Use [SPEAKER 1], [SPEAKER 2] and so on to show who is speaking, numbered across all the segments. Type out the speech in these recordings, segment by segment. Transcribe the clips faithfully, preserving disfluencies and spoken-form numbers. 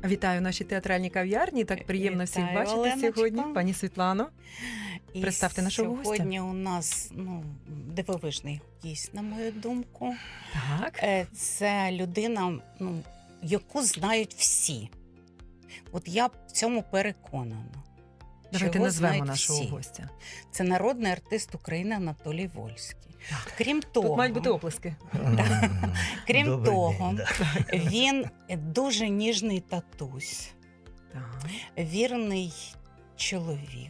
[SPEAKER 1] Вітаю нашій театральній кав'ярні. Так приємно всіх
[SPEAKER 2] Вітаю,
[SPEAKER 1] бачити
[SPEAKER 2] Оленочко.
[SPEAKER 1] сьогодні. Пані Світлано,
[SPEAKER 2] І
[SPEAKER 1] представте нашого гостя.
[SPEAKER 2] Сьогодні у нас ну, дивовижний гість, на мою думку.
[SPEAKER 1] Так.
[SPEAKER 2] Е, Це людина, ну, яку знають всі. От я в цьому переконана.
[SPEAKER 1] Давайте
[SPEAKER 2] Його
[SPEAKER 1] назвемо
[SPEAKER 2] знають
[SPEAKER 1] нашого
[SPEAKER 2] всі.
[SPEAKER 1] гостя.
[SPEAKER 2] Це народний артист України Анатолій Вольський.
[SPEAKER 1] Так.
[SPEAKER 2] Крім того,
[SPEAKER 1] Тут мають бути оплески.
[SPEAKER 2] крім
[SPEAKER 3] Добрий
[SPEAKER 2] того,
[SPEAKER 3] день, да.
[SPEAKER 2] він дуже ніжний татусь,
[SPEAKER 1] Так.
[SPEAKER 2] вірний чоловік.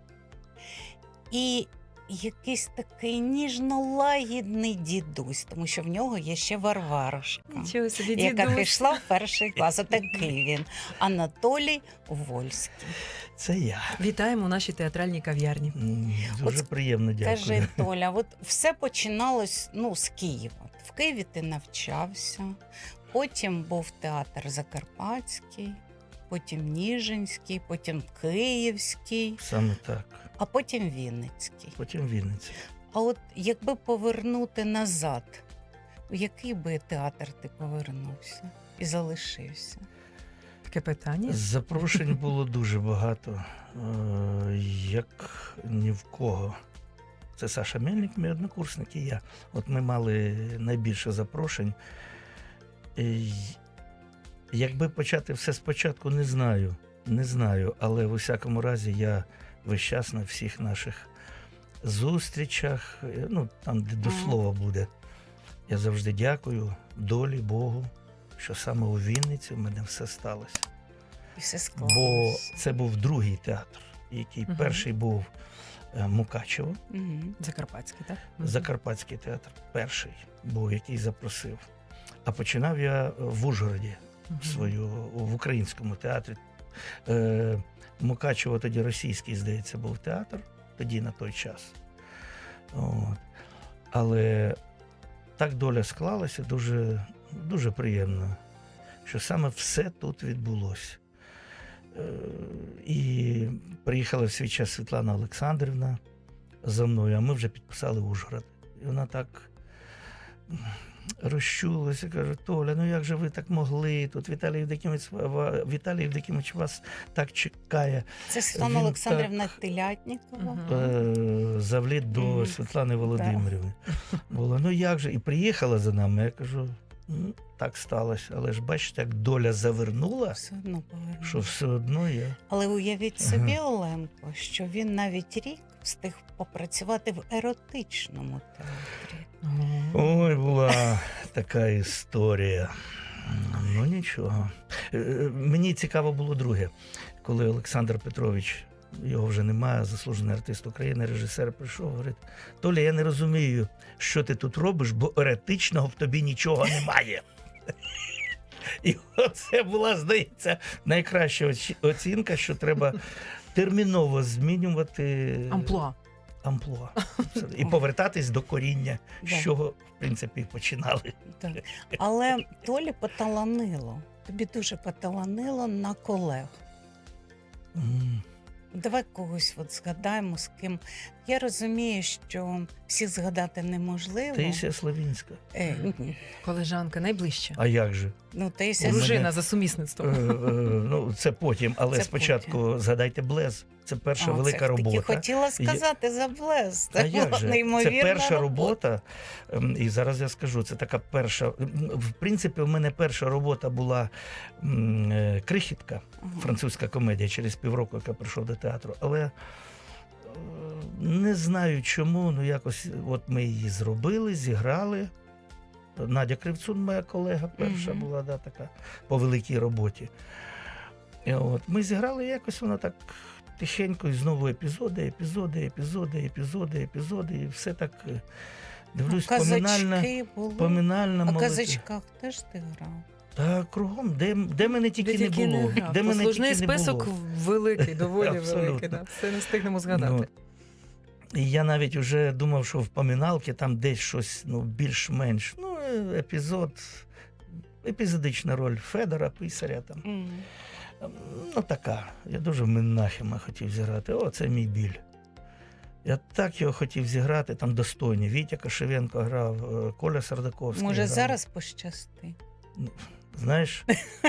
[SPEAKER 2] І якийсь такий ніжно-лагідний дідусь, тому що в нього є ще Варварушка,
[SPEAKER 1] Нічого собі,
[SPEAKER 2] яка
[SPEAKER 1] дідусь.
[SPEAKER 2] пішла в перший клас. Отакий він. Анатолій Вольський.
[SPEAKER 3] Це я.
[SPEAKER 1] Вітаємо у нашій театральній кав'ярні.
[SPEAKER 3] М, Дуже
[SPEAKER 2] От
[SPEAKER 3] приємно, дякую.
[SPEAKER 2] Кажи, Толя, от все починалось ну, з Києва. В Києві ти навчався, потім був театр Закарпатський, потім Ніжинський, потім Київський,
[SPEAKER 3] Саме так.
[SPEAKER 2] а потім Вінницький.
[SPEAKER 3] Потім Вінниця.
[SPEAKER 2] А от якби повернути назад, у який би театр ти повернувся і залишився?
[SPEAKER 1] Таке питання.
[SPEAKER 3] Запрошень було дуже багато, е, як ні в кого. Це Саша Мельник, мій однокурсник, і я. От ми мали найбільше запрошень. І якби почати все спочатку, не знаю. Не знаю, але в усякому разі я весь час на всіх наших зустрічах, е, ну там, де до
[SPEAKER 2] Ага.
[SPEAKER 3] слова буде. Я завжди дякую долі, Богу, що саме у Вінниці в мене все сталося.
[SPEAKER 2] І все
[SPEAKER 3] Бо
[SPEAKER 2] склалося.
[SPEAKER 3] це був другий театр, який
[SPEAKER 1] Мгм.
[SPEAKER 3] перший був е, Мукачево,
[SPEAKER 2] Мгм.
[SPEAKER 1] Закарпатський, так? Мгм.
[SPEAKER 3] Закарпатський театр, перший був, який запросив. А починав я в Ужгороді
[SPEAKER 1] Мгм.
[SPEAKER 3] свою в українському театрі. Е, Мукачево тоді російський, здається, був театр, тоді на той час. От. Але так доля склалася дуже, дуже приємно, що саме все тут відбулося. Е, І приїхала в свій час Світлана Олександрівна за мною, а ми вже підписали Ужгород. І вона так розчулася, каже: Толя, ну як же ви так могли? Тут Віталій Євдокимович, Віталій Євдокимович вас так чекає.
[SPEAKER 2] Це Світлана
[SPEAKER 3] Він
[SPEAKER 2] Олександрівна Телятнікова.
[SPEAKER 1] Мгм.
[SPEAKER 3] Е, Завліт до
[SPEAKER 2] Мгм.
[SPEAKER 3] Світлани Володимирівни. Було, ну як же? І приїхала за нами. Я кажу, ну, так сталося. Але ж бачите, як доля завернула,
[SPEAKER 2] Все одно повернув.
[SPEAKER 3] що все одно я.
[SPEAKER 2] Але уявіть собі, Оленко, що він навіть рік встиг попрацювати в еротичному театрі.
[SPEAKER 1] Мгм.
[SPEAKER 3] Ой, була така історія. Ну нічого. Е, Мені цікаво було друге, коли Олександр Петрович, його вже немає, заслужений артист України, режисер, прийшов, говорить: Толя, я не розумію, що ти тут робиш, бо еретичного в тобі нічого немає. І оце була, здається, найкраща оці- оцінка, що треба терміново змінювати
[SPEAKER 1] Амплуа.
[SPEAKER 3] амплуа. І повертатись до коріння, з
[SPEAKER 2] Да.
[SPEAKER 3] чого, в принципі, і починали.
[SPEAKER 2] Так. Але Толі поталанило. Тобі дуже поталанило на колег.
[SPEAKER 3] М.
[SPEAKER 2] Давай когось от згадаємо, з ким. Я розумію, що всіх згадати неможливо.
[SPEAKER 3] Таїсія Славінська.
[SPEAKER 2] Е, ні.
[SPEAKER 1] Колежанка найближча.
[SPEAKER 3] А як же?
[SPEAKER 2] ну, Таїсія
[SPEAKER 3] У мене-
[SPEAKER 1] Дружина за
[SPEAKER 3] Е,
[SPEAKER 1] сумісництвом.
[SPEAKER 3] е, ну, це потім, але
[SPEAKER 2] Це
[SPEAKER 3] спочатку згадайте Блез. Це перша
[SPEAKER 2] А,
[SPEAKER 3] велика
[SPEAKER 2] це
[SPEAKER 3] робота.
[SPEAKER 2] Таки хотіла сказати за Блез.
[SPEAKER 3] А
[SPEAKER 2] Це
[SPEAKER 3] як
[SPEAKER 2] була
[SPEAKER 3] же? Це
[SPEAKER 2] неймовірна
[SPEAKER 3] перша робота, ем, і зараз я скажу, це така перша. м, В принципі, у мене перша робота була м, е, Крихітка,
[SPEAKER 2] Ага.
[SPEAKER 3] французька комедія, через півроку, яка прийшов до театру. Але е, не знаю чому, ну якось от ми її зробили, зіграли. Надя Кривцун, моя колега, перша
[SPEAKER 2] Мгм.
[SPEAKER 3] була, да, така по великій роботі. І от, ми зіграли, якось вона так тихенько, і знову епізоди, епізоди, епізоди, епізоди, епізоди, і все так, е, дивлюсь, поминальна,
[SPEAKER 2] Казачки були.
[SPEAKER 3] поминальна
[SPEAKER 2] А в
[SPEAKER 3] молодь.
[SPEAKER 2] казачках теж ти грав?
[SPEAKER 3] Та кругом, де, де мене тільки
[SPEAKER 1] Де
[SPEAKER 3] не було.
[SPEAKER 1] грав.
[SPEAKER 3] Де мене
[SPEAKER 1] Послужний
[SPEAKER 3] тільки не
[SPEAKER 1] список
[SPEAKER 3] було.
[SPEAKER 1] великий, доволі
[SPEAKER 3] Абсолютно.
[SPEAKER 1] великий. Да. Все не встигнемо згадати.
[SPEAKER 3] Ну, і я навіть вже думав, що в поминалки там десь щось, ну, більш-менш. Ну, е, епізод, епізодична роль Федора, писаря там.
[SPEAKER 2] М.
[SPEAKER 3] Ну, така. Я дуже в Менахема хотів зіграти. О, це мій біль. Я так його хотів зіграти, там достойні. Вітя Кошевенко грав, е, Коля Сардаковський
[SPEAKER 2] Може,
[SPEAKER 3] грав.
[SPEAKER 2] зараз пощасти?
[SPEAKER 3] Ну, Знаєш,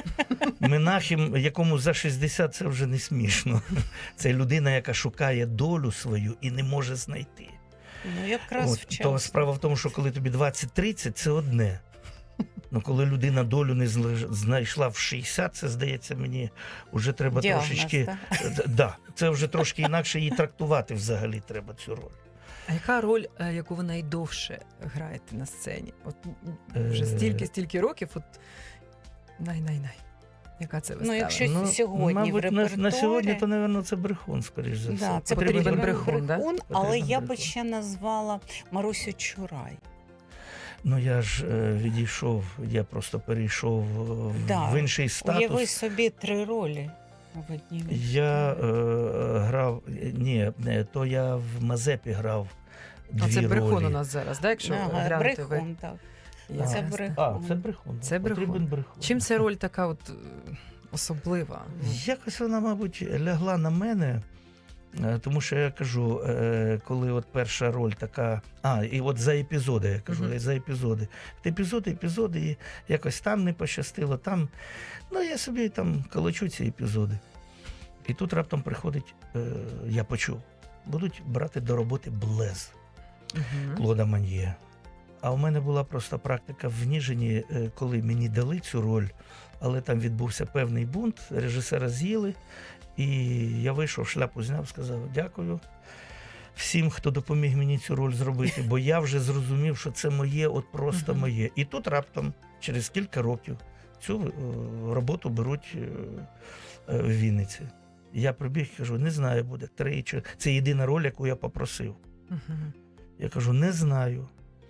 [SPEAKER 3] Менахем, якому за шістдесят, це вже не смішно. Це людина, яка шукає долю свою і не може знайти.
[SPEAKER 2] Ну, якраз
[SPEAKER 3] От,
[SPEAKER 2] вчасно.
[SPEAKER 3] то справа в тому, що коли тобі двадцять тридцять, це одне. Ну, коли людина долю не зла- знайшла в шістдесят, це, здається, мені вже треба
[SPEAKER 2] Діагноз,
[SPEAKER 3] трошечки...
[SPEAKER 2] так?
[SPEAKER 3] Д- Да, це вже трошки інакше її трактувати взагалі треба цю роль.
[SPEAKER 1] А яка роль, е, яку ви найдовше граєте на сцені? От м, вже
[SPEAKER 3] Е.
[SPEAKER 1] стільки, стільки років, от най-най-най. Яка це вистава?
[SPEAKER 2] Ну, якщо сьогодні
[SPEAKER 3] мабуть,
[SPEAKER 2] в
[SPEAKER 3] на, на
[SPEAKER 2] репертуарі-
[SPEAKER 3] сьогодні, то, напевно, це брехун, скоріш за все.
[SPEAKER 2] Да, це
[SPEAKER 1] Потрібен
[SPEAKER 2] потрібен
[SPEAKER 1] брехун, да?
[SPEAKER 2] брехун, але
[SPEAKER 3] Потрібен
[SPEAKER 2] я би
[SPEAKER 3] брехун.
[SPEAKER 2] ще назвала Марусю Чурай.
[SPEAKER 3] Ну, я ж е, відійшов, я просто перейшов е, в,
[SPEAKER 2] Да.
[SPEAKER 3] в інший статус.
[SPEAKER 2] Уяви собі три ролі в одній.
[SPEAKER 3] Я е, грав, ні, не, то я в Мазепі грав дві
[SPEAKER 1] А це
[SPEAKER 3] ролі.
[SPEAKER 1] брехун у нас зараз, да? Якщо
[SPEAKER 2] Ага,
[SPEAKER 1] глянути ви.
[SPEAKER 2] брехун, так.
[SPEAKER 1] Ясно.
[SPEAKER 2] Це брехун.
[SPEAKER 3] А, це брехун.
[SPEAKER 1] Це брехун.
[SPEAKER 3] Потрібен брехун.
[SPEAKER 1] Чим ця роль така от е, особлива? Ну,
[SPEAKER 3] Якось вона, мабуть, лягла на мене, е, тому що я кажу, е, коли от перша роль така. А, і от за епізоди, я кажу,
[SPEAKER 1] Мгм.
[SPEAKER 3] за епізоди. От епізоди, епізоди, і якось там не пощастило, там. Ну, я собі там колочу ці епізоди. І тут раптом приходить, е, я почув, будуть брати до роботи Блез
[SPEAKER 1] мгм.
[SPEAKER 3] Клода Ман'є. А у мене була просто практика в Ніжині, е, коли мені дали цю роль, але там відбувся певний бунт, режисера з'їли, і я вийшов, шляпу зняв, сказав дякую всім, хто допоміг мені цю роль зробити, бо я вже зрозумів, що це моє, от просто
[SPEAKER 1] Мгм.
[SPEAKER 3] моє. І тут раптом, через кілька років, цю е, роботу беруть е, е, в Вінниці. Я прибіг і кажу, не знаю, буде три чи... Це єдина роль, яку я попросив.
[SPEAKER 1] Мгм.
[SPEAKER 3] Я кажу, не знаю.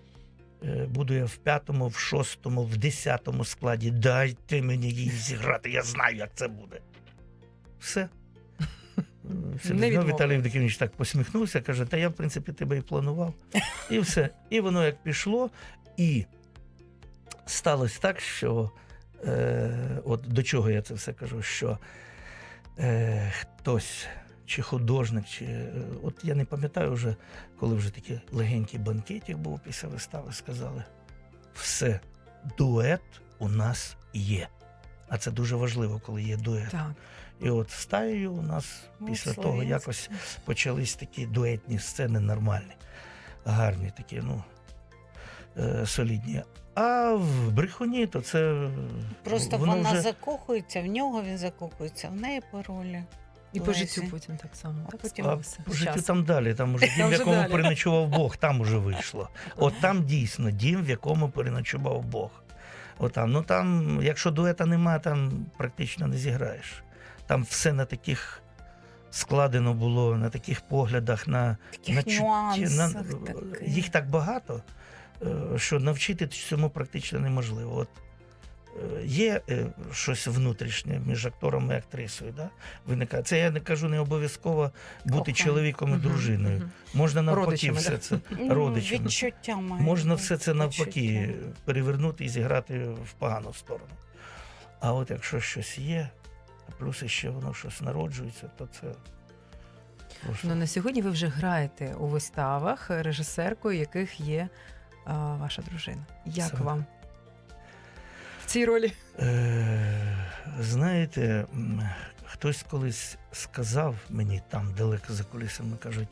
[SPEAKER 3] Е, Буду я в п'ятому, в шостому, в десятому складі. Дайте мені її зіграти, я знаю, як це буде. Все. Все,
[SPEAKER 1] Не відмовив.
[SPEAKER 3] Віталій Євдокимович так посміхнувся, каже, та я, в принципі, тебе і планував. І все. І воно як пішло. І сталося так, що е, от до чого я це все кажу, що е, хтось, чи художник, чи е, от я не пам'ятаю вже, коли вже такий легенький банкетик був після вистави, сказали, все, дует у нас є. А це дуже важливо, коли є дует.
[SPEAKER 1] Так.
[SPEAKER 3] І от з Таєю у нас
[SPEAKER 2] Ну,
[SPEAKER 3] після того
[SPEAKER 2] Слов'янське.
[SPEAKER 3] якось почались такі дуетні сцени нормальні, гарні такі, ну, е, солідні. А в брехуні, то це
[SPEAKER 2] Просто
[SPEAKER 3] воно
[SPEAKER 2] вона
[SPEAKER 3] вже...
[SPEAKER 2] закохується, в нього він закохується, в неї по ролі.
[SPEAKER 1] І по
[SPEAKER 2] Лесі.
[SPEAKER 1] життю потім так само.
[SPEAKER 2] А
[SPEAKER 1] Так
[SPEAKER 2] потім-
[SPEAKER 3] А
[SPEAKER 1] сталося.
[SPEAKER 3] по
[SPEAKER 1] З
[SPEAKER 3] життю
[SPEAKER 1] часом.
[SPEAKER 3] там далі, там уже
[SPEAKER 1] Там
[SPEAKER 3] дім, в
[SPEAKER 1] вже
[SPEAKER 3] якому
[SPEAKER 1] далі.
[SPEAKER 3] переночував Бог, там уже вийшло. От там дійсно дім, в якому переночував Бог. От там, ну там, якщо дуета нема, там практично не зіграєш. Там все на таких складено було, на таких поглядах, на,
[SPEAKER 2] Таких
[SPEAKER 3] на чутті,
[SPEAKER 2] нюансах.
[SPEAKER 3] на,
[SPEAKER 2] таких.
[SPEAKER 3] їх так багато, е, що навчити цьому практично неможливо. От е, є е, щось внутрішнє між актором і актрисою, да? Виникає. Це я не кажу не обов'язково бути
[SPEAKER 2] Кохання.
[SPEAKER 3] чоловіком і
[SPEAKER 1] Мгм,
[SPEAKER 3] дружиною.
[SPEAKER 1] мгм.
[SPEAKER 3] Можна навпаки
[SPEAKER 1] Родичами,
[SPEAKER 3] все
[SPEAKER 1] да?
[SPEAKER 3] це.
[SPEAKER 2] Ну,
[SPEAKER 3] родичами.
[SPEAKER 2] Відчуття має.
[SPEAKER 3] Можна
[SPEAKER 2] бути,
[SPEAKER 3] все це навпаки
[SPEAKER 2] відчуття.
[SPEAKER 3] перевернути і зіграти в погану сторону. А от якщо щось є, а плюс ще воно щось народжується, то це просто...
[SPEAKER 1] Ну, на сьогодні ви вже граєте у виставах, режисеркою яких є а, ваша дружина. Як
[SPEAKER 3] Саме.
[SPEAKER 1] вам в цій ролі?
[SPEAKER 3] Е, знаєте, м, хтось колись сказав мені там далеко за кулісами, кажуть: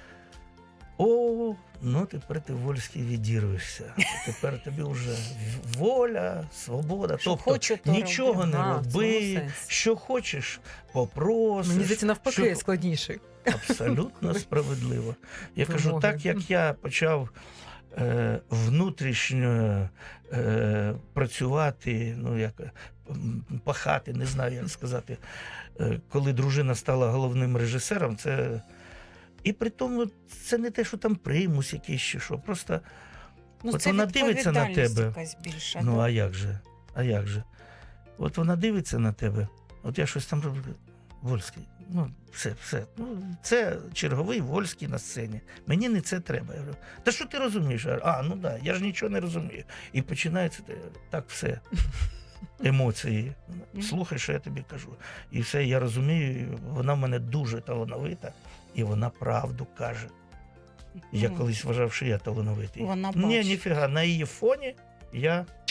[SPEAKER 3] о, ну тепер ти Вольський відірвешся. Тепер тобі вже воля, свобода.
[SPEAKER 2] Що
[SPEAKER 3] тобто
[SPEAKER 2] хочу, то
[SPEAKER 3] нічого
[SPEAKER 2] роблю.
[SPEAKER 3] не
[SPEAKER 1] А, в цьому
[SPEAKER 3] роби,
[SPEAKER 1] сенсі.
[SPEAKER 3] що хочеш, попросиш.
[SPEAKER 1] Мені здається, навпаки,
[SPEAKER 3] що-
[SPEAKER 1] складніше.
[SPEAKER 3] Абсолютно справедливо. Я кажу,
[SPEAKER 1] Вимоги.
[SPEAKER 3] так як я почав е, внутрішньо е, працювати, ну як м, пахати, не знаю, як сказати, е, коли дружина стала головним режисером, це. І при тому це не те, що там примус якийсь чи що. Просто
[SPEAKER 2] Ну,
[SPEAKER 3] От
[SPEAKER 2] це
[SPEAKER 3] вона дивиться на
[SPEAKER 2] відповідальність
[SPEAKER 3] тебе.
[SPEAKER 2] якась більша.
[SPEAKER 3] ну
[SPEAKER 2] да?
[SPEAKER 3] а як же? А як же? От вона дивиться на тебе, от я щось там роблю. Вольський, ну все, все. Ну, це черговий Вольський на сцені. Мені не це треба. Я говорю, та що ти розумієш? Я говорю, а, ну да, я ж нічого не розумію. І починається те- так все. Емоції. Слухай, що я тобі кажу. І все, я розумію, і вона в мене дуже талановита, і вона правду каже. Я
[SPEAKER 2] Ну,
[SPEAKER 3] колись вважав, що я талановитий.
[SPEAKER 2] Вона
[SPEAKER 3] Ні,
[SPEAKER 2] бачить.
[SPEAKER 3] ніфіга, на її фоні я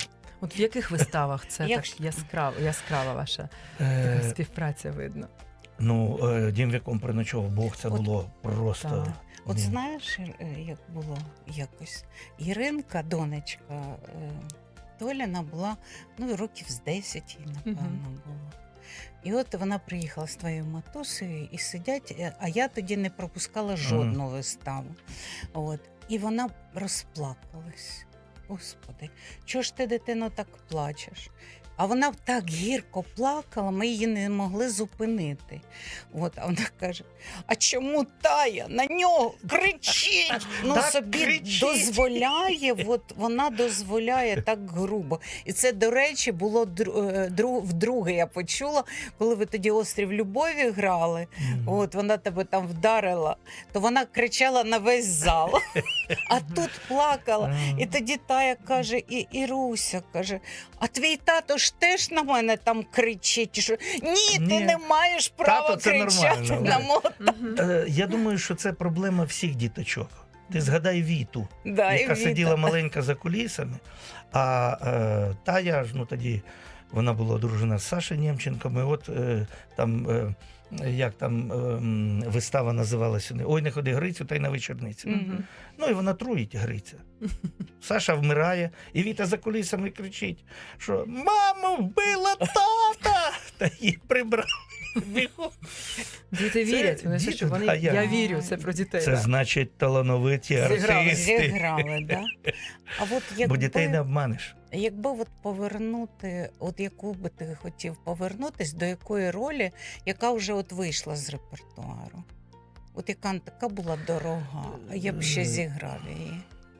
[SPEAKER 1] От в яких виставах це
[SPEAKER 2] Якщо-
[SPEAKER 1] так яскрава, яскрава ваша
[SPEAKER 3] Е,
[SPEAKER 1] така співпраця видно?
[SPEAKER 3] ну, е, дім, в якому приночував Бог, це
[SPEAKER 2] От-
[SPEAKER 3] було просто.
[SPEAKER 1] Так.
[SPEAKER 2] От
[SPEAKER 3] ні.
[SPEAKER 2] знаєш, е, як було якось. Іринка, донечка е, Толіна, була ну, років з десять, їй, напевно,
[SPEAKER 1] Мгм.
[SPEAKER 2] було. І от вона приїхала з твоєю матусею і сидять, е, а я тоді не пропускала жодну виставу. От. І вона розплакалась. Господи, чого ж ти, дитино, так плачеш? А вона так гірко плакала, ми її не могли зупинити. От, а вона каже: а чому Тая на нього кричить? Ну,
[SPEAKER 3] Так
[SPEAKER 2] собі
[SPEAKER 3] кричить.
[SPEAKER 2] дозволяє, от вона дозволяє так грубо. І це, до речі, було дру- е, дру- вдруге я почула, коли ви тоді «Острів любові» грали.
[SPEAKER 3] Мгм.
[SPEAKER 2] От вона тебе там вдарила, то вона кричала на весь зал, а тут плакала.
[SPEAKER 3] А,
[SPEAKER 2] І тоді Тая каже, і Іруся каже: а твій тато ж теж на мене там кричить. Що ні, ти
[SPEAKER 3] Ні.
[SPEAKER 2] не маєш права
[SPEAKER 3] Тато, це
[SPEAKER 2] кричати
[SPEAKER 3] нормально,
[SPEAKER 2] на
[SPEAKER 3] да.
[SPEAKER 2] мого.
[SPEAKER 1] Мгм.
[SPEAKER 3] е, Я думаю, що це проблема всіх діточок. Ти згадай Віту,
[SPEAKER 2] Да, і
[SPEAKER 3] яка
[SPEAKER 2] Віта.
[SPEAKER 3] сиділа маленька за кулісами, а е, Тая ж, ну тоді вона була одружена з Сашею Нємченком, і от е, там, е, як там е, м, вистава називалася, ой, не ходи Грицю, та й на вечорницю.
[SPEAKER 2] Мгм.
[SPEAKER 3] Ну і вона труїть Гриця. Саша вмирає, і Віта за кулісами кричить, що «Мама вбила тата!» Та її прибрали. Бігом.
[SPEAKER 1] Діти вірять, вони
[SPEAKER 3] діти,
[SPEAKER 1] що вони
[SPEAKER 3] да, я-
[SPEAKER 1] я вірю, це про дітей.
[SPEAKER 3] Це
[SPEAKER 1] да.
[SPEAKER 3] значить талановиті
[SPEAKER 1] Зіграли,
[SPEAKER 3] артисти.
[SPEAKER 2] Зіграли, да? А от якби,
[SPEAKER 3] Бо дітей не обманеш.
[SPEAKER 2] якби от повернути, от яку би ти хотів повернутись, до якої ролі, яка вже от вийшла з репертуару? От яка така була дорога, а я б ще зіграв її.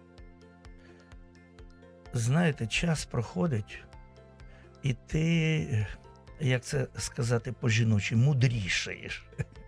[SPEAKER 3] Знаєте, час проходить, і ти, як це сказати по-жіночі, мудрішаєш.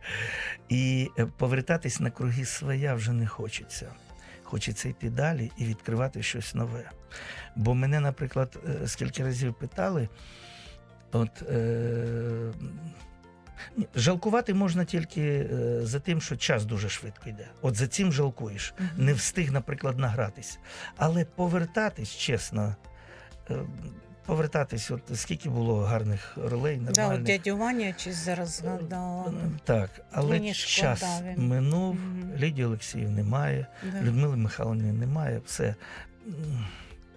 [SPEAKER 3] І повертатись на круги своя вже не хочеться. Хочеться йти далі і відкривати щось нове. Бо мене, наприклад, е, скільки разів питали, от, е, ні, жалкувати можна тільки е, за тим, що час дуже швидко йде. От за цим жалкуєш.
[SPEAKER 1] Мгм.
[SPEAKER 3] Не встиг, наприклад, награтись. Але повертатись, чесно, е, повертатись, от скільки було гарних ролей,
[SPEAKER 2] Да, от
[SPEAKER 3] нормальних.
[SPEAKER 2] дядю Ваню я чись зараз згадала.
[SPEAKER 3] Е, Так, але
[SPEAKER 2] Мені шкода
[SPEAKER 3] час
[SPEAKER 2] він.
[SPEAKER 3] минув,
[SPEAKER 2] Мгм.
[SPEAKER 3] Лідії Олексіїв немає,
[SPEAKER 2] Да.
[SPEAKER 3] Людмили Михайлівни немає, все. М.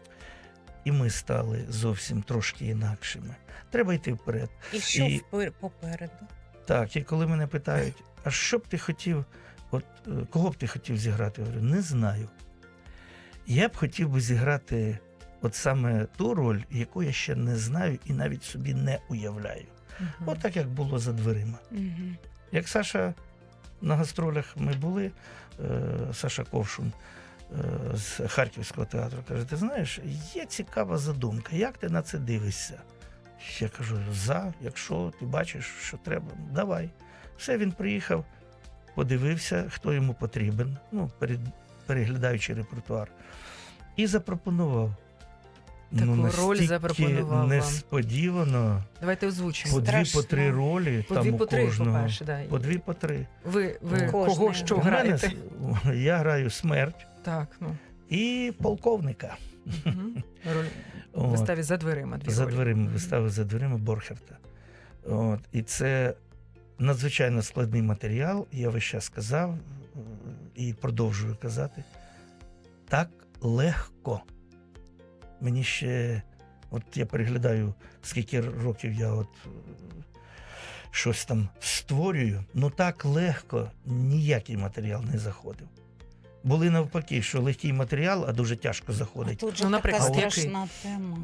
[SPEAKER 3] І ми стали зовсім трошки інакшими. Треба йти вперед.
[SPEAKER 2] І що
[SPEAKER 3] І-
[SPEAKER 2] впер- попереду?
[SPEAKER 3] Так, і коли мене питають, а що б ти хотів, от е, кого б ти хотів зіграти? Я говорю, не знаю. Я б хотів би зіграти от саме ту роль, яку я ще не знаю і навіть собі не уявляю.
[SPEAKER 1] Мгм.
[SPEAKER 3] От так, як було за дверима.
[SPEAKER 2] Мгм.
[SPEAKER 3] Як Саша на гастролях ми були, е, Саша Ковшун е, з Харківського театру каже: ти знаєш, є цікава задумка, як ти на це дивишся? Я кажу, за, якщо ти бачиш, що треба, давай. Все, він приїхав, подивився, хто йому потрібен, ну, перед, переглядаючи репертуар, і запропонував.
[SPEAKER 1] Таку роль
[SPEAKER 3] настільки
[SPEAKER 1] запропонував вам.
[SPEAKER 3] несподівано,
[SPEAKER 1] Давайте озвучимо.
[SPEAKER 3] по дві, по
[SPEAKER 2] Страшно.
[SPEAKER 3] три ролі,
[SPEAKER 1] По
[SPEAKER 3] там
[SPEAKER 1] дві
[SPEAKER 3] у
[SPEAKER 1] по три,
[SPEAKER 3] кожного.
[SPEAKER 1] по-перше, да.
[SPEAKER 3] По дві, по три.
[SPEAKER 1] Ви, ви
[SPEAKER 3] Кожний.
[SPEAKER 1] кого що
[SPEAKER 3] У мене
[SPEAKER 1] граєте?
[SPEAKER 3] с- я граю смерть
[SPEAKER 1] Так, ну.
[SPEAKER 3] і полковника.
[SPEAKER 1] Мгм. Роль в
[SPEAKER 3] От,
[SPEAKER 1] виставі за дверима. Дві
[SPEAKER 3] за
[SPEAKER 1] ролі.
[SPEAKER 3] дверима,
[SPEAKER 1] Мгм.
[SPEAKER 3] вистави за дверима Борхерта. От, і це надзвичайно складний матеріал. Я весь час сказав е, і продовжую казати. Так легко. Мені ще, от я переглядаю, скільки років я от е, щось там створюю, ну так легко ніякий матеріал не заходив. Були навпаки, що легкий матеріал, а дуже тяжко
[SPEAKER 2] А
[SPEAKER 3] заходить.
[SPEAKER 2] тут же
[SPEAKER 1] Ну,
[SPEAKER 2] така
[SPEAKER 1] наприклад, який?
[SPEAKER 2] страшна тема.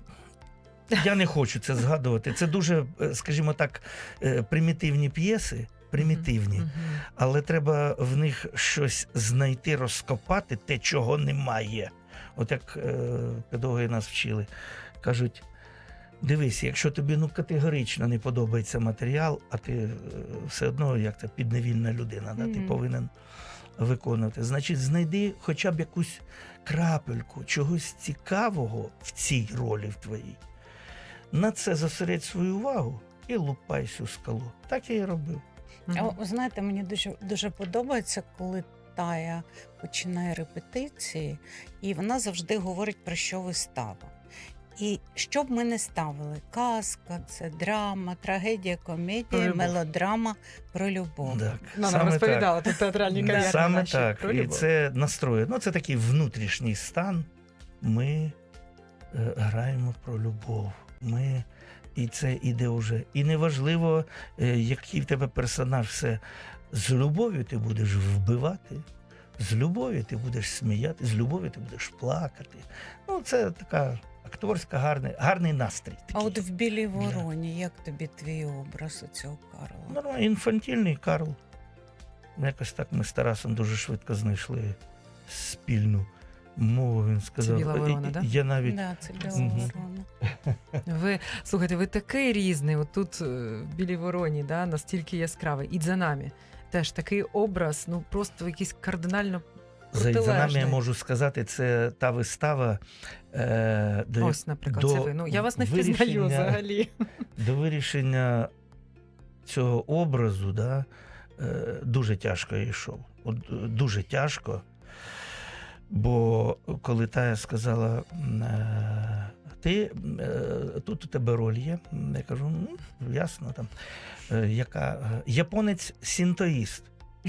[SPEAKER 3] Я не хочу це згадувати. Це дуже, е, скажімо так, е, примітивні п'єси, примітивні,
[SPEAKER 1] Мгм.
[SPEAKER 3] але треба в них щось знайти, розкопати те, чого немає. От як е, педагоги нас вчили, кажуть: дивись, якщо тобі ну категорично не подобається матеріал, а ти е, все одно як це підневільна людина, да, ти
[SPEAKER 2] Мгм.
[SPEAKER 3] повинен виконувати. Значить, знайди хоча б якусь крапельку чогось цікавого в цій ролі в твоїй. На це зосередь свою увагу і лупай цю скалу. Так я і робив.
[SPEAKER 2] А
[SPEAKER 1] Мгм.
[SPEAKER 2] ви знаєте, мені дуже, дуже подобається, коли Тая починає репетиції, і вона завжди говорить, про що вистава. І що б ми не ставили? Казка, це драма, трагедія,
[SPEAKER 1] Про
[SPEAKER 2] комедія,
[SPEAKER 1] любов.
[SPEAKER 2] мелодрама про любов.
[SPEAKER 3] Так,
[SPEAKER 1] Нам
[SPEAKER 3] саме
[SPEAKER 1] розповідала тут театральні
[SPEAKER 2] Да.
[SPEAKER 1] кав'ярні
[SPEAKER 3] Саме
[SPEAKER 1] наші
[SPEAKER 3] так.
[SPEAKER 1] про
[SPEAKER 3] І
[SPEAKER 1] любов.
[SPEAKER 3] це настрої. Ну, це такий внутрішній стан. Ми е, граємо про любов. Ми, і це іде вже. І неважливо, е, який в тебе персонаж, все. З любов'ю ти будеш вбивати, з любов'ю ти будеш сміяти, з любов'ю ти будеш плакати. Ну, це така акторська, гарний, гарний настрій.
[SPEAKER 2] А
[SPEAKER 3] Такий.
[SPEAKER 2] от в Білій вороні, як тобі твій образ у цього Карла?
[SPEAKER 3] Ну, інфантільний Карл. Якось так ми з Тарасом дуже швидко знайшли спільну мову. Він сказав.
[SPEAKER 1] Біла ворона,
[SPEAKER 3] «І-
[SPEAKER 1] да?
[SPEAKER 3] Я навіть
[SPEAKER 2] Да, це Біла
[SPEAKER 3] Мгм.
[SPEAKER 2] ворона.
[SPEAKER 1] Ви слухайте, ви такий різний. Отут е, в Білій Вороні, да, настільки яскравий. І за нами теж такий образ, ну просто якийсь кардинально
[SPEAKER 3] за, за нами я
[SPEAKER 1] протилежний.
[SPEAKER 3] можу сказати, це та вистава, е, до,
[SPEAKER 1] Ось, наприклад,
[SPEAKER 3] до
[SPEAKER 1] це ви. Ну я вас не впізнаю
[SPEAKER 3] вирішення-
[SPEAKER 1] взагалі.
[SPEAKER 3] до вирішення цього образу, да, е, дуже тяжко я йшов. От, е, дуже тяжко. Бо коли Тая сказала, м, е, ти е, тут у тебе роль є, я кажу, ну, ясно там. Е, яка е, японець синтоїст.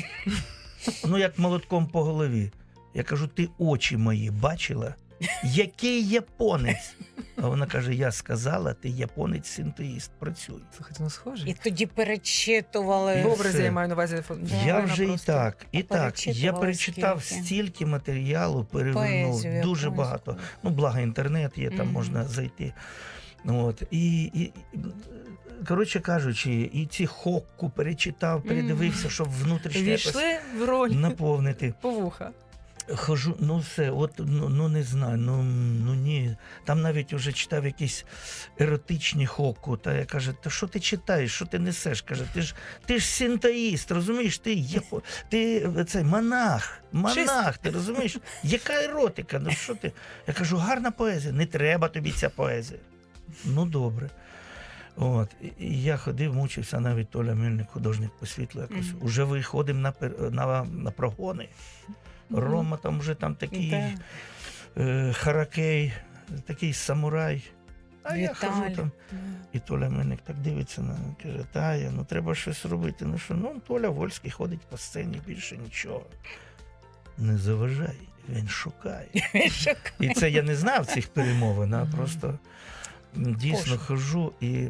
[SPEAKER 3] Ну, як молотком по голові. Я кажу, ти очі мої бачила? Який японець? А вона каже: я сказала, ти японець синтоїст, працюй.
[SPEAKER 1] Слухайте, ну схоже.
[SPEAKER 2] І тоді перечитували.
[SPEAKER 1] В образі
[SPEAKER 3] все.
[SPEAKER 1] я маю на увазі. фон-
[SPEAKER 2] Да,
[SPEAKER 3] Я
[SPEAKER 1] вона
[SPEAKER 3] вже
[SPEAKER 1] просто-
[SPEAKER 3] і так, і
[SPEAKER 2] А
[SPEAKER 3] так. Я
[SPEAKER 2] перечитували
[SPEAKER 3] перечитав
[SPEAKER 2] скільки?
[SPEAKER 3] стільки матеріалу, перевернув
[SPEAKER 2] Поезію
[SPEAKER 3] дуже
[SPEAKER 2] якусь.
[SPEAKER 3] багато. Ну, благо інтернет є, там
[SPEAKER 2] Мгм.
[SPEAKER 3] можна зайти. От. І, і, і, коротше кажучи, і ці хокку перечитав, передивився, щоб внутрішньо якось
[SPEAKER 1] Війшли в роль
[SPEAKER 3] наповнити.
[SPEAKER 1] по вуха.
[SPEAKER 3] Хожу, ну все, от ну, ну не знаю, ну, ну ні. Там навіть вже читав якісь еротичні хокку. Та я каже, та що ти читаєш, що ти несеш? Каже, ти ж ти ж синтоїст, розумієш? Ти єпо, ти цей монах, монах, ти розумієш? Яка еротика? Ну що ти? Я кажу, гарна поезія, не треба тобі ця поезія. Ну добре. От, і- і я ходив, мучився, навіть Толя Мельник, художник по світлу, якось.
[SPEAKER 2] Мгм.
[SPEAKER 3] Уже виходимо на, пер- на, на прогони. Рома там вже там такий
[SPEAKER 2] Да.
[SPEAKER 3] е, харакей, такий самурай. А я хожу
[SPEAKER 2] Віталій.
[SPEAKER 3] там. І Толя Мельник так дивиться на мене, каже, Тая, ну треба щось робити. Ну що, ну Толя Вольський ходить по сцені, більше нічого. Не заважай, він шукає. І це я не знав цих перемовин, а
[SPEAKER 1] Мгм.
[SPEAKER 3] просто м, дійсно
[SPEAKER 2] Пошук.
[SPEAKER 3] хожу і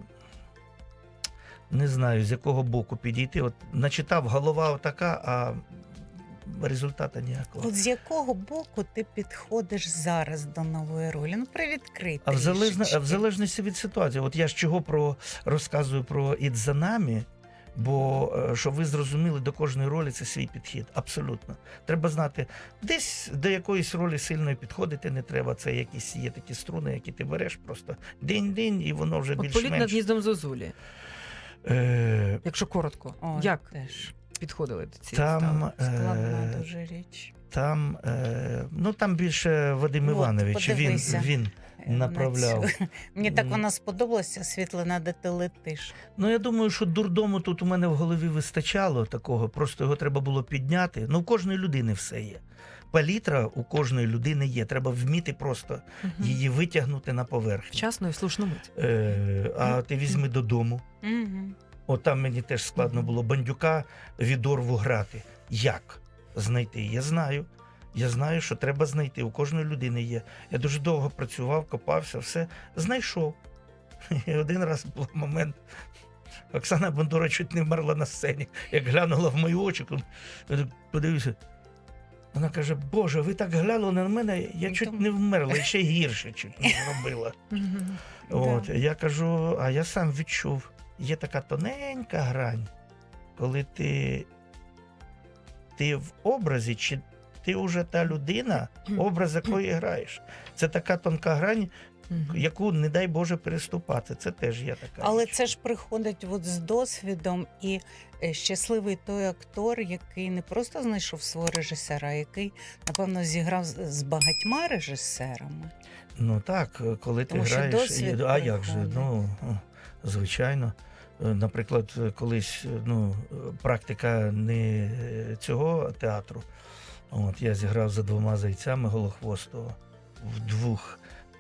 [SPEAKER 3] не знаю, з якого боку підійти. От начитав, голова отака, а результату ніякого.
[SPEAKER 2] От з якого боку ти підходиш зараз до нової ролі? Ну, привідкрий
[SPEAKER 3] А в, залежно,
[SPEAKER 2] трішечки.
[SPEAKER 3] в залежності від ситуації. От я ж чого про розказую про «Ід за нами», бо е, щоб ви зрозуміли, до кожної ролі це свій підхід. Абсолютно. Треба знати, десь до якоїсь ролі сильної підходити не треба. Це якісь є такі струни, які ти береш просто день-день, і воно вже
[SPEAKER 1] От політ над
[SPEAKER 3] більш-менш.
[SPEAKER 1] гніздом Зозулі,
[SPEAKER 3] Е,
[SPEAKER 1] якщо коротко.
[SPEAKER 2] О,
[SPEAKER 1] Як
[SPEAKER 2] теж
[SPEAKER 1] підходили до цієї
[SPEAKER 3] там,
[SPEAKER 1] ставки?
[SPEAKER 2] складна
[SPEAKER 3] е,
[SPEAKER 2] дуже річ.
[SPEAKER 3] там, е, ну, там більше Вадим
[SPEAKER 2] От,
[SPEAKER 3] Іванович. Він,
[SPEAKER 2] подивися.
[SPEAKER 3] він
[SPEAKER 2] Е, на
[SPEAKER 3] направляв.
[SPEAKER 2] цю. Мені так
[SPEAKER 3] М.
[SPEAKER 2] вона сподобалася, Світлана, де ти летиш.
[SPEAKER 3] Ну, я думаю, що дурдому тут у мене в голові вистачало такого, просто його треба було підняти. Ну, у кожної людини все є. Палітра у кожної людини є. Треба вміти просто
[SPEAKER 1] Мгм.
[SPEAKER 3] її витягнути на поверхню.
[SPEAKER 1] Вчасно і в слушну мить.
[SPEAKER 3] Е, а ти візьми додому.
[SPEAKER 2] Угу.
[SPEAKER 3] От там мені теж складно було бандюка від Орву грати. Як знайти? Я знаю. Я знаю, що треба знайти. У кожної людини є. Я дуже довго працював, копався, все знайшов. І один раз був момент. Оксана Бондора чуть не вмерла на сцені. Як глянула в мої очі, коли- я так подивився. Вона каже: Боже, ви так глянули на мене, я
[SPEAKER 2] Ну,
[SPEAKER 3] чуть
[SPEAKER 2] там-
[SPEAKER 3] не вмерла, і ще гірше чуть не зробила.
[SPEAKER 1] Мгм.
[SPEAKER 3] От,
[SPEAKER 2] Да.
[SPEAKER 3] я кажу, а я сам відчув, є така тоненька грань, коли ти, ти в образі, чи ти вже та людина, образ якої граєш. Це така тонка грань,
[SPEAKER 1] Мгм.
[SPEAKER 3] яку, не дай Боже, переступати. Це теж є така.
[SPEAKER 2] Але
[SPEAKER 3] річ.
[SPEAKER 2] це ж приходить от з досвідом, і е, щасливий той актор, який не просто знайшов свого режисера, а який, напевно, зіграв з з багатьма режисерами.
[SPEAKER 3] Ну так, коли ти
[SPEAKER 2] Тому що
[SPEAKER 3] граєш,
[SPEAKER 2] досвід
[SPEAKER 3] і- а як же,
[SPEAKER 2] приходить.
[SPEAKER 3] ну, о, звичайно. Е, Наприклад, колись ну, е, практика не е, цього театру. От, я зіграв за двома зайцями Голохвостого в двох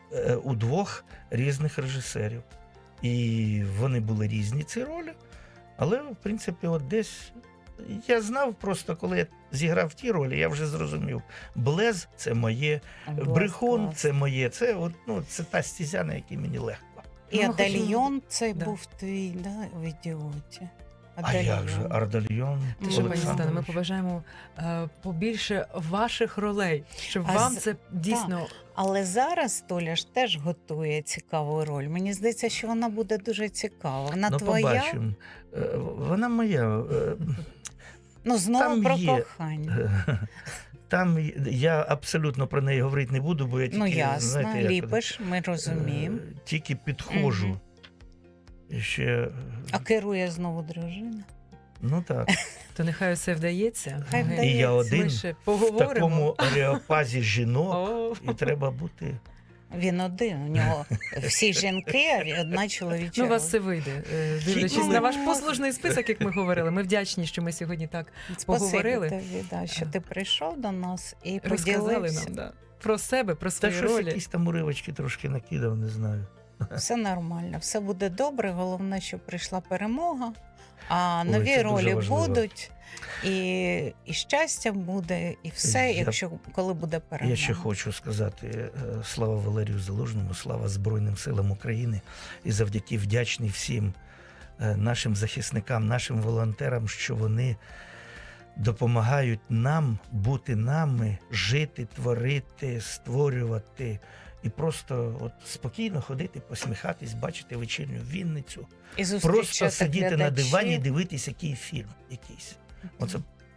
[SPEAKER 3] е, у двох різних режисерів. І вони були різні, ці ролі. Але, в принципі, от десь я знав просто, коли я зіграв ті ролі, я вже зрозумів. Блез – це моє,
[SPEAKER 2] Клас,
[SPEAKER 3] брехун
[SPEAKER 2] клас.
[SPEAKER 3] – це моє. Це, от, ну, це та стезя, на якій мені легко.
[SPEAKER 2] І
[SPEAKER 1] Ну,
[SPEAKER 2] Адальйон цей
[SPEAKER 1] Да.
[SPEAKER 2] був твій, да, в ідіоті.
[SPEAKER 3] А як же? Ардальйон,
[SPEAKER 1] Ти що, пані
[SPEAKER 2] Олександрович.
[SPEAKER 1] Світлано, ми побажаємо е, побільше ваших ролей, щоб
[SPEAKER 2] А
[SPEAKER 1] вам
[SPEAKER 2] з-
[SPEAKER 1] це дійсно
[SPEAKER 2] Але зараз Толя ж теж готує цікаву роль. Мені здається, що вона буде дуже цікава. Вона
[SPEAKER 3] ну,
[SPEAKER 2] твоя,
[SPEAKER 3] побачимо. Е, Вона моя. е,
[SPEAKER 2] ну знову
[SPEAKER 3] Там
[SPEAKER 2] про
[SPEAKER 3] є-
[SPEAKER 2] кохання.
[SPEAKER 3] Там я абсолютно про неї говорити не буду, бо я тільки,
[SPEAKER 2] Ну ясно,
[SPEAKER 3] знаєте, як,
[SPEAKER 2] ліпиш, ми розуміємо.
[SPEAKER 3] е, тільки підходжу.
[SPEAKER 2] Мгм.
[SPEAKER 3] І ще,
[SPEAKER 2] А керує знову дружина.
[SPEAKER 3] ну так,
[SPEAKER 1] то нехай все вдається.
[SPEAKER 2] Хай
[SPEAKER 1] Ми-
[SPEAKER 2] вдається.
[SPEAKER 3] і я
[SPEAKER 1] Ми
[SPEAKER 3] один
[SPEAKER 1] ще
[SPEAKER 3] в
[SPEAKER 1] поговоримо.
[SPEAKER 3] такому ареопазі жінок,
[SPEAKER 1] О,
[SPEAKER 3] і треба бути.
[SPEAKER 2] Він один. У нього всі жінки, а одна чоловіча.
[SPEAKER 1] ну, у вас
[SPEAKER 2] роль.
[SPEAKER 1] все вийде. Е, Дивлячись
[SPEAKER 3] Ну,
[SPEAKER 1] на ваш
[SPEAKER 2] ну,
[SPEAKER 1] послужний список, як ми говорили. Ми вдячні, що ми сьогодні так
[SPEAKER 2] Спасибі
[SPEAKER 1] поговорили.
[SPEAKER 2] тобі, да, що ти прийшов до нас і
[SPEAKER 1] розказали
[SPEAKER 2] поділився.
[SPEAKER 1] нам да, про себе, про
[SPEAKER 3] Та
[SPEAKER 1] свої
[SPEAKER 3] щось
[SPEAKER 1] ролі.
[SPEAKER 3] якісь там уривочки трошки накидав, не знаю.
[SPEAKER 2] Все нормально, все буде добре. Головне, щоб прийшла перемога. А
[SPEAKER 3] Ой,
[SPEAKER 2] нові
[SPEAKER 3] це дуже
[SPEAKER 2] ролі
[SPEAKER 3] важливо.
[SPEAKER 2] будуть, і, і щастя буде, і все,
[SPEAKER 3] Я-
[SPEAKER 2] якщо коли буде перемога.
[SPEAKER 3] Я ще хочу сказати е, слава Валерію Залужному, слава Збройним силам України. І завдяки вдячний всім е, нашим захисникам, нашим волонтерам, що вони допомагають нам бути нами, жити, творити, створювати. І просто от спокійно ходити, посміхатись, бачити вечірню Вінницю.
[SPEAKER 2] І
[SPEAKER 3] Просто
[SPEAKER 2] зустрічати
[SPEAKER 3] сидіти на
[SPEAKER 2] глядачів.
[SPEAKER 3] дивані і дивитись, який фільм якийсь. Оце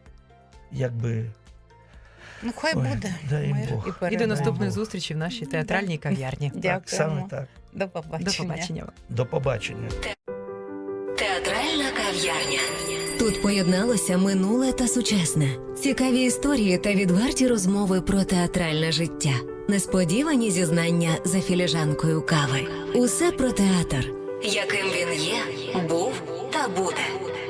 [SPEAKER 3] якби.
[SPEAKER 2] Ну, хай
[SPEAKER 3] Ой,
[SPEAKER 2] буде.
[SPEAKER 3] дай
[SPEAKER 2] Мир
[SPEAKER 3] Бог.
[SPEAKER 2] і
[SPEAKER 1] І до
[SPEAKER 2] перемога.
[SPEAKER 1] наступної зустрічі в нашій театральній кав'ярні.
[SPEAKER 3] Так,
[SPEAKER 2] Дякуємо.
[SPEAKER 3] саме так.
[SPEAKER 2] До побачення.
[SPEAKER 1] До побачення.
[SPEAKER 3] До побачення.
[SPEAKER 4] Театральна кав'ярня. Тут поєдналося минуле та сучасне. Цікаві історії та відверті розмови про театральне життя. Несподівані зізнання за філіжанкою кави. Усе про театр, яким він є, був та буде.